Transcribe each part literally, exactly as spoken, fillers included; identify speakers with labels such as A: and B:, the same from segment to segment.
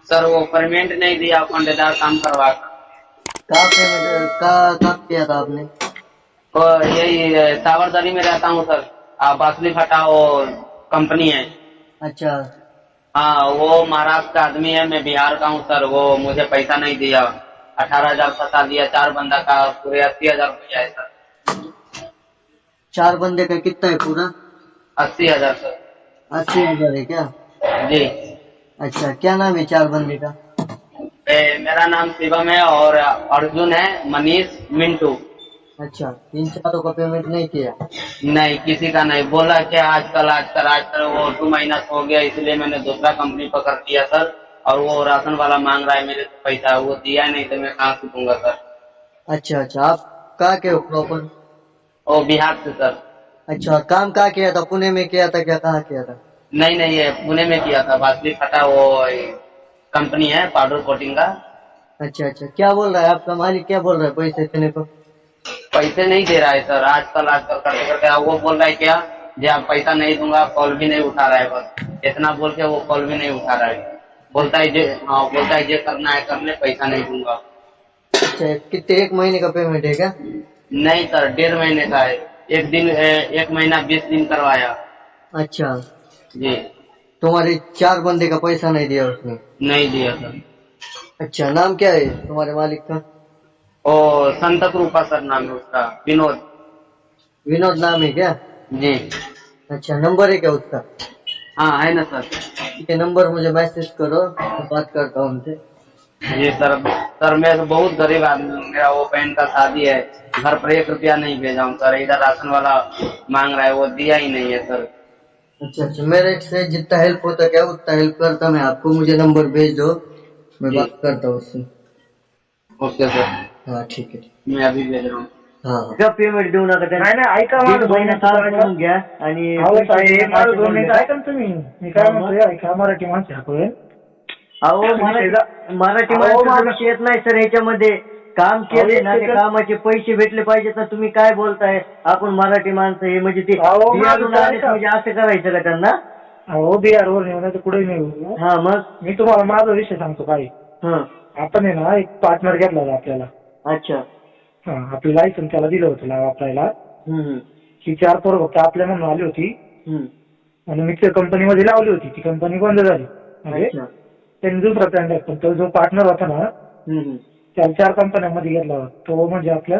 A: Sir वो payment नहीं दिया, ठेकेदार काम करवा कर।
B: कहाँ पेमेंट का काम किया था आपने?
A: और यही सावरदरी में रहता हूँ सर। आ, बासुली फटा वो कंपनी है।
B: अच्छा।
A: हाँ, वो महाराष्ट्र का आदमी है, मैं बिहार का हूँ सर। वो मुझे पैसा नहीं दिया, अठारह हजार फंसा दिया, चार बंदा का पूरे अस्सी हजार रुपया है सर।
B: चार बंदे का कितना है पूरा?
A: अस्सी हजार सर।
B: अस्सी हजार है क्या?
A: जी।
B: अच्छा, क्या नाम है चार बंदे का?
A: ए, मेरा नाम शिवम है और अर्जुन है, मनीष, मिंटू।
B: अच्छा, इन चारों का पेमेंट नहीं किया?
A: नहीं, किसी का नहीं। बोला क्या आजकल आजकल आजकल वो टू महीना हो गया, इसलिए मैंने दूसरा कंपनी पकड़ लिया सर। और वो राशन वाला मांग रहा है मेरे से पैसा, वो दिया नहीं तो मैं कहाँ से दूंगा सर।
B: अच्छा अच्छा, आप कहाँ के हो प्रॉपर?
A: वो बिहार से सर।
B: अच्छा, काम कहाँ किया था? पुणे में किया था क्या, कहाँ किया था?
A: नहीं नहीं, ये पुणे में किया था, बासुली फटा वो कंपनी है पाउडर कोटिंग का।
B: अच्छा अच्छा, क्या बोल रहा है आपका मालिक, क्या बोल रहा है पैसे देने को?
A: पैसे नहीं दे रहा है सर, आजकल आजकल करते करते वो बोल रहा है क्या, जी आप पैसा नहीं दूंगा, कॉल भी नहीं उठा रहा है, बस इतना बोल के वो कॉल भी नहीं उठा रहा है। बोलता है जे हाँ, बोलता है जे करना है कर ले, पैसा नहीं दूंगा।
B: अच्छा, कितने, एक महीने का पेमेंट है क्या?
A: नहीं सर, डेढ़ महीने का है। एक दिन एक महीना बीस दिन करवाया।
B: अच्छा,
A: जी।
B: तुम्हारे चार बंदे का पैसा नहीं दिया उसने?
A: नहीं दिया सर।
B: अच्छा, नाम क्या है तुम्हारे मालिक का?
A: ओ, संतक रूपा सर नाम है उसका, विनोद।
B: विनोद नाम है क्या?
A: जी।
B: अच्छा, नंबर है क्या उसका?
A: हाँ है ना सर।
B: ये नंबर मुझे मैसेज करो, मैं बात करता हूँ उनसे।
A: जी सर। सर मैं तो बहुत गरीब आदमी हूँ, मेरा वो बहन का शादी है, घर पर एक रुपया नहीं भेजा हूँ सर। इधर राशन वाला मांग रहा है, वो दिया ही नहीं है सर।
B: अच्छा अच्छा, मेरे से जितना हेल्प होता क्या उतना हेल्प करता मैं आपको, मुझे नंबर भेज दो, मैं
A: जी।
B: बात करता हूँ उससे।
A: Okay sir.
B: हाँ ठीक है।
A: मैं अभी भेज रहा हूँ।
B: हाँ हाँ, का पेमेंट देऊ नका
C: नाही नाही, ऐका
B: दीड
C: माझं
B: महिना
C: दोन
B: काम
C: मिनिटं
B: करून
C: ऐका.
B: घ्या आणि
C: अहो
B: पैसे
C: साहेब,
B: देणं
C: माझं
B: काय
C: दोन
B: करून
C: मिनिटं
B: द्या.
C: ऐका ना तुम्ही. मी काय
B: हा, मग?
C: म्हणतोय, ऐका, मराठी माणसं आहे आपण.
B: अहो मराठी
C: शेजा-
B: मराठी
C: अहो,
B: माणसाचा
C: माझं-
B: विषय येत नाही सर ह्याच्यामध्ये. काम केले
C: एक
B: ना, त्या
C: सेकंड.
B: कामाचे पैसे भेटले पाहिजेत ना. तुम्ही काय बोलताय, आपण मराठी माणसं हे म्हणजे ते
C: अहो,
B: बिहारून
C: माझं
B: आलेत
C: ऐका.
B: म्हणजे असं करायचं का त्यांना?
C: अहो बिहारवर नेऊ नाही तर कुठे नेऊ.
B: हा मग.
C: मी तुम्हाला माझा विषय सांगतो काय.
B: हा.
C: आपण आहे ना एक पार्टनर घेतला होता आपल्याला.
B: अच्छा.
C: हा, आपलं लायसन त्याला दिलं होतं ला- वापरायला.
B: हम्म
C: ही चार पोरं फक्त आपल्या म्हणून आली होती
B: हम्म.
C: आणि मी त्या कंपनीमध्ये लावली होती. ती कंपनी बंद झाली. म्हणजे
B: अच्छा.
C: त्यांनी दुसरा प्लॅन टाकला. पण तो जो पार्टनर होता ना,
B: हम्म
C: त्या चार कंपन्यांमध्ये घेतला होता. तो म्हणजे आपल्या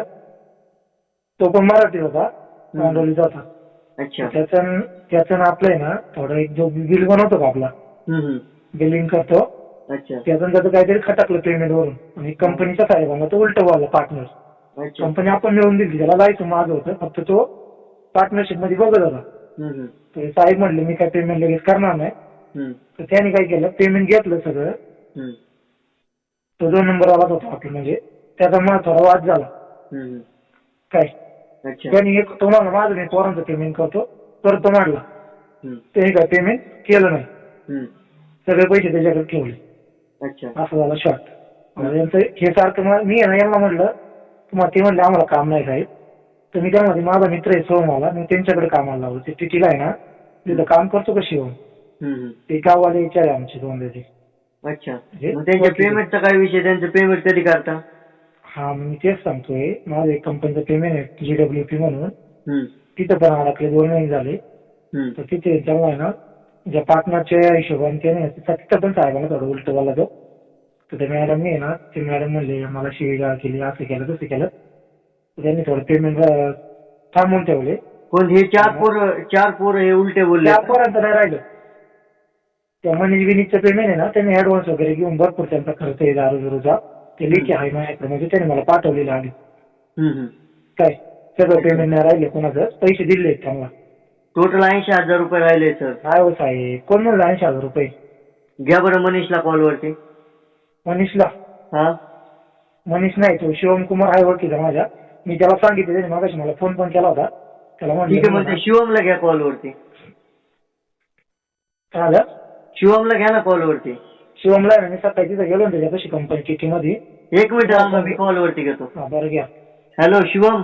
C: तो पण मराठी होता, मांडवलीचा होता.
B: अच्छा.
C: त्याचं त्याचं आपलं आहे ना थोडं एक जो बिल बनवतो का आपला,
B: हम्म
C: बिलिंग करतो,
B: अच्छा.
C: त्यातून त्याचं काहीतरी खटकलं पेमेंट वरून आणि कंपनीच्या साहेबांना तो उलट बोलला पार्टनर.
B: अच्छा.
C: कंपनी आपण मिळून दिली, त्याला जायचं माझं होतं, फक्त तो पार्टनरशिप मध्ये बघत होता.
B: हम्म
C: तर साहेब म्हणले मी काय पेमेंट लगेच करणार नाही.
B: हम्म
C: तर त्याने काय केलं, पेमेंट घेतलं सगळं.
B: हम्म
C: तो दोन नंबर आला होता आपला, म्हणजे त्याचा मला थोडा वाद झाला.
B: हम्म.
C: काय
B: अच्छा.
C: त्यांनी एक तुम्हाला माझं मी पोरांचं पेमेंट करतो करतो मांडला.
B: हम्म
C: त्याने काय पेमेंट केलं नाही,
B: हम्म.
C: सगळे पैसे त्याच्याकडे ठेवले.
B: अच्छा.
C: असं झालं शॉर्ट. यांचं हे सारखं मला- मी आहे ना यांना म्हटलं तुम्हाला, ते म्हणले आम्हाला काम नाही साहेब. तर मी त्यामध्ये माझा मित्र आहे सोहमवाला, मी त्यांच्याकडे कामाला लावलं. ते टिटीला आहे ना, तिथं काम करतो का शिवम,
B: हम्म.
C: ते गाववाले विचार आहे आमचे दोन दिवशी.
B: अच्छा.
C: म्हणजे
B: मग त्यांच्या पेमेंटचा काय विषय, त्यांचं पेमेंट कधी करता?
C: हा, मी तेच सांगतोय, माझं एक कंपनीचं पेमेंट आहे जीडब्ल्यू पी म्हणून,
B: हम्म
C: तिथं पण अडकले दोन महिने झाले.
B: हम्म.
C: तर तिथे त्याला आहे ना ज्या पार्टनरच्या हिशोबाने त्याने तिथं पण साहेबांना थोडं उलट बोलला तो. तर त्या मॅडमने आहे ना, ते मॅडम म्हणले मला शिवीगाळ केली, असं केलं तसं केलं. तर त्यांनी थोडं पेमेंट थांबवून ठेवले.
B: कोण हे चार पोरं, चार पोरं हे उलटे बोलले?
C: त्या पोरांचं नाही राहिलं. त्या मनीष विनीतचं पेमेंट आहे ना, त्यांनी ऍडव्हान्स वगैरे घेऊन भरपूर त्यांचा खर्च आहे दारू बिरूचा, ते लेखी आहे माझ्याकडे, म्हणजे त्याने मला पाठवलेलं आधी.
B: हम्म.
C: काय सगळं पेमेंट नाही राहिले, कोणाचं पैसे दिले त्यांना.
B: टोटल ऐंशी हजार रुपये राहिले सर.
C: काय हो साहेब, कोण म्हणलं ऐंशी हजार रुपये?
B: घ्या बरं मनीषला कॉलवरती.
C: मनीषला?
B: हा.
C: मनीष नाही, तो शिवम कुमार आहे ओळखीचा माझ्या. मी त्याला सांगितलं, त्याने मागाशी मला फोन पण केला होता. त्याला
B: ठीक आहे,
C: म्हणलं
B: म्हणजे शिवमला घ्या कॉलवरती.
C: काय झालं?
B: शिवमला घ्या ना कॉलवरती.
C: शिवमला आहे ना, मी सकाळी तिथं गेलो ना त्याच्यापाशी कंपनी किटी मध्ये.
B: एक मिनिट थांबा, मी कॉलवरती घेतो.
C: हा बरं घ्या.
B: हॅलो शिवम.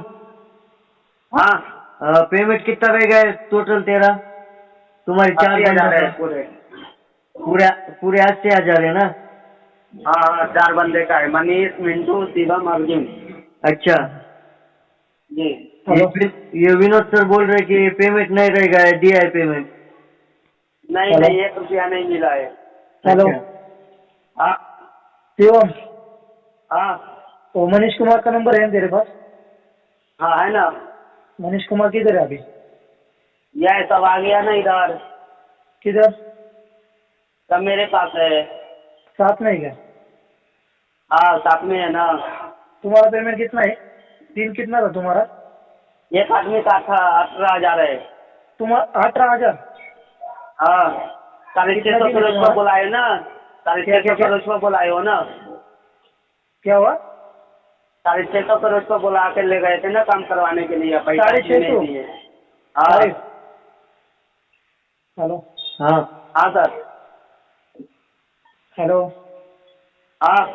A: हाँ,
B: पेमेंट कितना रहेगा टोटल तेरा? तुम्हारे चार
A: अस्सी हजार है
B: बंदों का?
A: पूरे।
B: पूरे पूरे अस्सी हजार है ना?
A: हाँ हाँ चार बंदे का है, मनीष, मिंटू, शिवम, अर्जुन।
B: अच्छा,
A: जी
B: ये
C: हेलो
B: वि- ये विनोद सर बोल रहे कि पेमेंट नहीं रहेगा, दिया है पेमेंट।
A: नहीं
C: हेलो?
A: नहीं, एक रुपया नहीं मिला है।
C: हेलो
B: अच्छा,
A: हाँ
C: शिवम,
A: हाँ
C: वो मनीष कुमार का नंबर है ना तेरे पास?
A: हाँ है ना,
C: मनीष कुमार किधर है अभी?
A: यह सब आ गया ना इधर,
C: किधर?
A: सब मेरे पास है।
C: साथ में ही क्या?
A: हाँ साथ में है ना।
C: तुम्हारा पेमेंट कितना है? दिन कितना था तुम्हारा?
A: एक आदमी का था अठारह हजार है।
C: तुम्हारा अठारह हजार?
A: हाँ साढ़े
C: कितना
A: छह सौ
C: दिन है
A: फिर उसको
C: तुम्हारा?
A: बुलाए ना, साढ़े
C: क्या
A: छह
C: क्या
A: सौ
C: क्या
A: फिर उसको बुलाए हो ना,
C: क्या हुआ?
A: साढ़े छह सौ फिर उसको बुला के ले गए थे ना काम करवाने के लिए, पैसा
C: साढ़े छह
A: नहीं
C: सौ?
A: दिए। हाँ
C: अरे हेलो
B: हाँ
A: हाँ सर।
C: हेलो
A: हाँ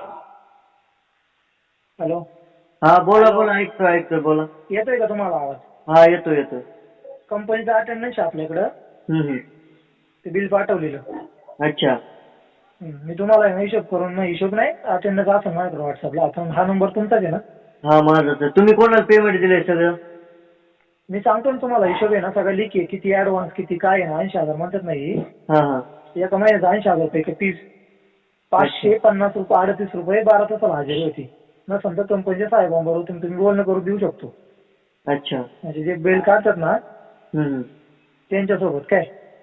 C: हेलो
B: हाँ, बोला
A: हॅलो.
B: बोला, ऐकतो ऐकतो, बोला.
C: येतोय का तुम्हाला आवाज?
B: हा, येतो येतो.
C: कंपनीचा अटेंडन्स आपल्याकडं,
B: हम्म हम्म.
C: ते बिल पाठवलेलं.
B: अच्छा,
C: हं, मी तुम्हाला आहे ना हिशोब करून, नाही हिशोब नाही, अटेंडन्स असेल माझ्याकडे व्हॉट्सअपला. आता हा नंबर तुमचाच आहे ना?
B: हा माझाच आहे. तुम्ही कोणाला पेमेंट दिलंय सगळं?
C: मी सांगतो ना तुम्हाला, हिशोब आहे ना सगळं लिख आहे, किती ऍडव्हान्स किती काय आहे ना. ऐंशी हजार म्हणतात नाही,
B: हा हा.
C: एका महिन्याचा ऐंशी हजार पैकी तीस पाचशे पन्नास रुपये अडतीस रुपये बारा तासाला हजेरी होती. नसेल तर कंपनीच्या साहेबांबरोबर तुम्ही तुम्ही बोलणं करून देऊ शकतो.
B: अच्छा.
C: म्हणजे जे बिल काढतात ना
B: हम्म हम्म.
C: त्यांच्यासोबत काय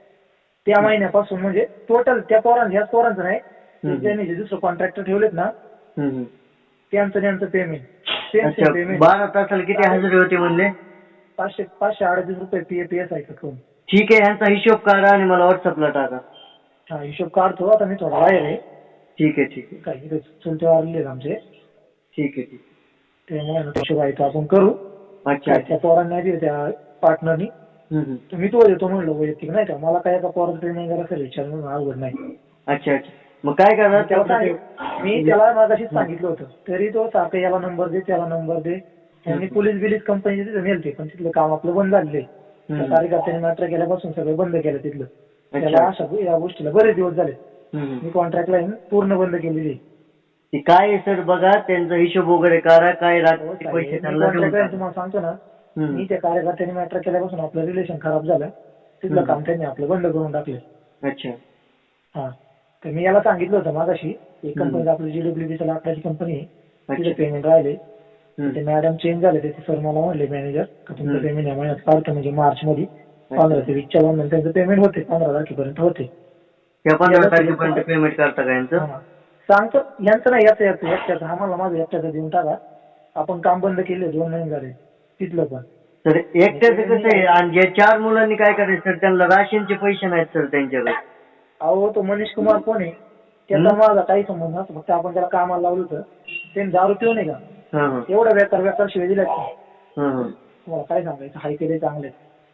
C: त्या महिन्यापासून, म्हणजे टोटल त्या पोरांचं, ह्याच पोरांचं नाही,
B: हम्म.
C: ज्यांनी जे दुसरं कॉन्ट्रॅक्टर ठेवलेत ना
B: हम्म हम्म.
C: त्यांचं त्यांचं पेमेंट सेम
B: अच्छा,
C: सेम पेमेंट
B: बारा तासाला किती हजेरी होते म्हणले?
C: पाचशे पाचशे अडतीस रुपये पी पी एस आय करून.
B: ठीक आहे, ह्यांचा हिशोब काढा आणि मला व्हॉट्सअपला टाका.
C: हा हिशोब काढतो. आता मी थोडा बाहेर आहे,
B: ठीक आहे ठीक आहे
C: काही इथे चुलते वारले आमचे,
B: ठीक आहे ठीक
C: त्यामुळे ना हिशोब आहे तो आपण करू.
B: आहे. अच्छा
C: काय
B: अच्छा.
C: त्या पोरांना दिले त्या पार्टनरनी,
B: हम्म हम्म.
C: तर मी तो देतो म्हणलं वैयक्तिक, नाही का मला काय एका पोराचं ट्रेनिंग करायचं असेल विचार म्हणून अवघड नाही.
B: अच्छा अच्छा. मग काय करा
C: त्याला सांगितलं, मी त्याला मागाशीच सांगितलं होतं, तरी तो सारखं याला नंबर दे त्याला नंबर दे. त्यांनी पोलीस बिलीस कंपनी तिथे नेलते, पण तिथलं काम आपलं बंद झालेलं आहे.
B: हम्म.
C: कार्यकर्त्यांनी मॅटर केल्यापासून सगळं बंद केलं तिथलं. त्याला
B: अच्छा.
C: अशा या गोष्टीला बरेच दिवस झाले.
B: हम्म.
C: मी कॉन्ट्रॅक्ट लाईन पूर्ण बंद केलेली आहे.
B: ते काय आहे सर, बघा त्यांचा हिशोब वगैरे करा, काय
C: हो
B: रात्री
C: साहेब,
B: पैसे
C: मी
B: त्यांना देऊन
C: कॉन्ट्रॅक्ट लाईन
B: टाका.
C: तुम्हाला सांगतो ना,
B: हम्म.
C: मी त्या कार्यकर्त्यांनी मॅटर केल्यापासून आपलं रिलेशन खराब झालं. तिथलं
B: हम्म.
C: काम त्यांनी आपलं बंद करून टाकलं.
B: अच्छा.
C: हा, तर मी याला सांगितलं होतं मागाशी, एक
B: हम्म.
C: कंपनी आपली जीडब्ल्यूबीच्या लाकडाची कंपनी आहे, तिथे
B: अच्छा.
C: पेमेंट राहिले.
B: हम्म.
C: ते मॅडम चेंज झाले, ते सर मला म्हणले मॅनेजर का तुमचं
B: हम्म.
C: पेमेंट या महिन्यात काढतो, म्हणजे मार्च मध्ये पंधरा ते वीसच्या दरम्यान त्यांचं पेमेंट होते, पंधरा तारखेपर्यंत होते.
B: त्या पंधरा तारखेपर्यंत पेमेंट करता का यांचं?
C: हा. सांगतो यांचं नाही, याचं याचं एकट्याचं, आम्हाला माझं एकट्याचं देऊन टाका. आपण काम बंद केले, दोन महिने झाले तिथलं पण.
B: सर एकट्याचं कसं आहे, आणि ज्या चार मुलांनी काय करायचं सर, त्यांना राशनचे पैसे नाहीत सर त्यांच्याकडे.
C: अहो तो मनीष कुमार कोण आहे, त्याचा
B: हम्म.
C: माझा काही संबंध नसतो, फक्त आपण त्याला कामाला लावलं होतं. त्यांनी दारू पिऊ नाही का,
B: हा हा.
C: एवढा बेकार बेकार शिवाय दिल्या का?
B: हा हा.
C: तुम्हाला काय सांगायचं, हाय केले चांगले.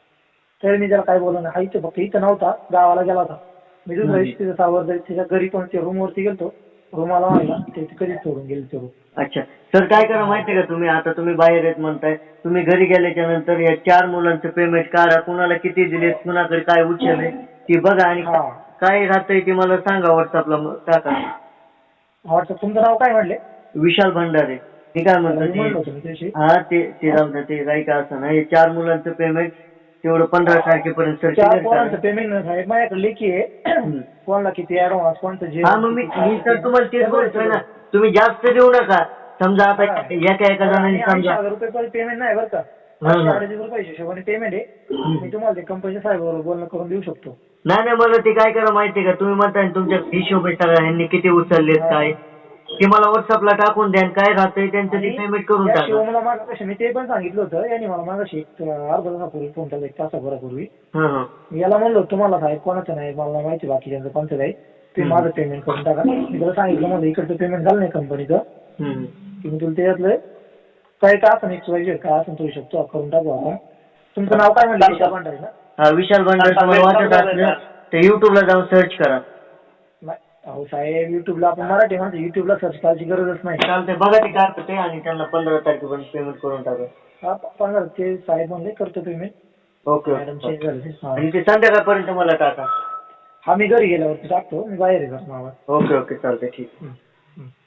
C: तरी मी त्याला काय बोललो नाही, हायचं फक्त इथं नव्हता, गावाला गेला होता. मी दुसऱ्या
B: हम्म.
C: दिवशी तिथं सावर त्याच्या घरी पण रूमवरती गेलतो, रूमाला आणला, ते कधीच सोडून गेले ते रूम.
B: अच्छा सर, काय करा माहितीये का, तुम्ही आता तुम्ही बाहेर येत म्हणताय, तुम्ही घरी गेल्याच्या नंतर या चार मुलांचं पेमेंट काढा, कुणाला किती दिलेत, कुणाकडे काय उचलले ती बघा, आणि
C: हा.
B: काय राहतंय ते मला सांगा, व्हॉट्सअपला टाका.
C: व्हॉट्सअप तुमचं नाव काय म्हणले?
B: विशाल भंडारे. मी काय म्हणतो
C: म्हणलं
B: ते,
C: होतं मी त्याशी.
B: हा ते ते जाऊ द्या, ते काही का असं ना, हे चार मुलांचं पेमेंट तेवढं पंधरा तारखेपर्यंत सर
C: चार
B: क्लिअर
C: पोरांचं
B: करा.
C: पेमेंट साहेब माझ्याकडे लेखी आहे, कोणाला किती ऍडव्हान्स, कोणतं जे.
B: हा, मग मी मी सर तुम्हाला तेच बोलतोय ना, तुम्ही जास्त देऊ नका. समजा आता एका एका जणांनी
C: ऐंशी
B: समजा
C: हजार रुपये पेमेंट नाही बरं का, पाचशे अडीच रुपये हिशोबाने पेमेंट आहे. मी तुम्हाला ते कंपनीच्या साहेबाबरोबर बोलणं करून देऊ शकतो.
B: नाही नाही, मला ते काय करा माहितीये का, तुम्ही म्हणताय ना तुमच्या हिशोब आहे सगळा, ह्यांनी किती उचललेत काय, ते मला व्हॉट्सअपला टाकून द्या, काय राहतंय त्यांचं ते पेमेंट करून
C: या
B: टाका.
C: शिवमला मागाशी मी ते पण सांगितलं होतं, यांनी मला मागाशी एक अर्धा तासापूर्वी फोन केला, एक तासाभरापूर्वी.
B: हा हा.
C: याला म्हणलो तुम्हाला साहेब कोणाचं नाही, मला माहिती बाकी त्यांचं कोणतं नाही, ते माझं पेमेंट करून टाका. मी त्याला सांगितलं माझं इकडचं पेमेंट झालं नाही कंपनीचं,
B: हम्म.
C: की मी तुला त्याच्यातलं काय का असं नाही, काय असं तो शकतो करून टाकू आपण. तुमचं नाव काय म्हणलं? विशाल भंडारे ना?
B: हा, विशाल भंडारे. तुम्हाला वाटत असलं तर युट्यूबला जाऊन सर्च करा.
C: नाही अहो साहेब, युट्यूबला आपण मराठी माणसं, युट्यूबला सर्च करायची गरजच नाही.
B: चालतंय, बघा ते काय करते, आणि त्यांना पंधरा तारखेपर्यंत पेमेंट करून टाका.
C: हा पंधरा ते साहेब म्हणले करतो payment.
B: Okay
C: madam
B: okay.
C: Change झाले ते. हा.
B: आणि ते संध्याकाळपर्यंत मला टाका.
C: हा मी घरी गेल्यावरती टाकतो, मी बाहेर आहे घरून आवाज.
B: ओके ओके, चालतंय, ठीक.
C: हं.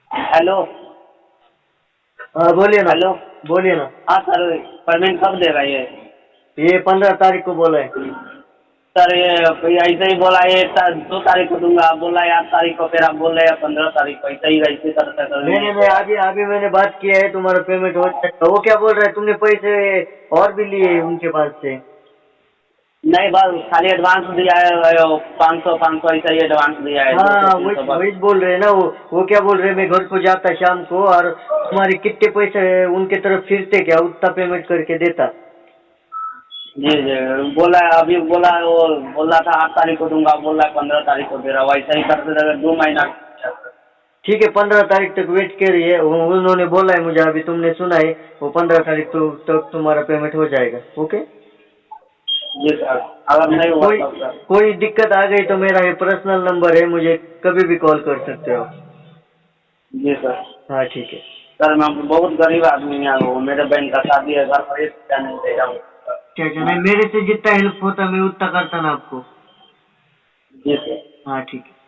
A: हेलो
B: हाँ बोलिए ना।
A: हेलो।
B: बोलिए ना।
A: हाँ सर, पेमेंट कब देगा ये?
B: ये पंद्रह तारीख को बोला है।
A: सर ये कोई ऐसे ही बोला ये ता- दो तारीख को दूंगा, आप बोला है आठ तारीख को, फिर आप बोल रहे हैं पंद्रह तारीख को, ऐसे ही ऐसे करते
B: नहीं नहीं नहीं, अभी अभी मैंने बात किया है, तुम्हारा पेमेंट हो जाएगा। वो क्या बोल रहा है, तुमने पैसे और भी लिए उनके पास से?
A: नहीं, बस खाली एडवांस दिया है पाँच सौ पाँच सौ ऐसा ही एडवांस दिया है।
B: हाँ
A: दो सौ, तीन
B: वही
A: सौ बस।
B: वही बोल रहे हैं ना। वो वो क्या बोल रहे हैं, मैं घर को जाता शाम को और तुम्हारे कितने पैसे उनके तरफ फिरते क्या उतना पेमेंट करके देता।
A: जी जी, बोला है अभी, बोला है वो बोला था आठ तारीख को दूंगा, बोला है पंद्रह तारीख को दे रहा, वैसा ही करते रहे दो महीना।
B: ठीक है, पंद्रह तारीख तक वेट करिए। वो- उन्होंने बोला है मुझे, अभी तुमने सुना है, वो पंद्रह तारीख तो तक तुम्हारा पेमेंट हो जाएगा। ओके।
A: जी सर, अगर नहीं हुआ
B: कोई
A: तब सर।
B: कोई दिक्कत आ गई तो मेरा ये पर्सनल नंबर है, मुझे कभी भी कॉल कर सकते हो।
A: जी सर।
B: हाँ ठीक है।
A: सर मैं बहुत गरीब आदमी है, वो मेरे बहन का शादी है, घर पर एक रुपया नहीं दे रहा हूँ।
B: क्या क्या नहीं, मेरे से जितना हेल्प होता मैं उतना करता ना आपको।
A: जी सर।
B: हाँ ठीक है।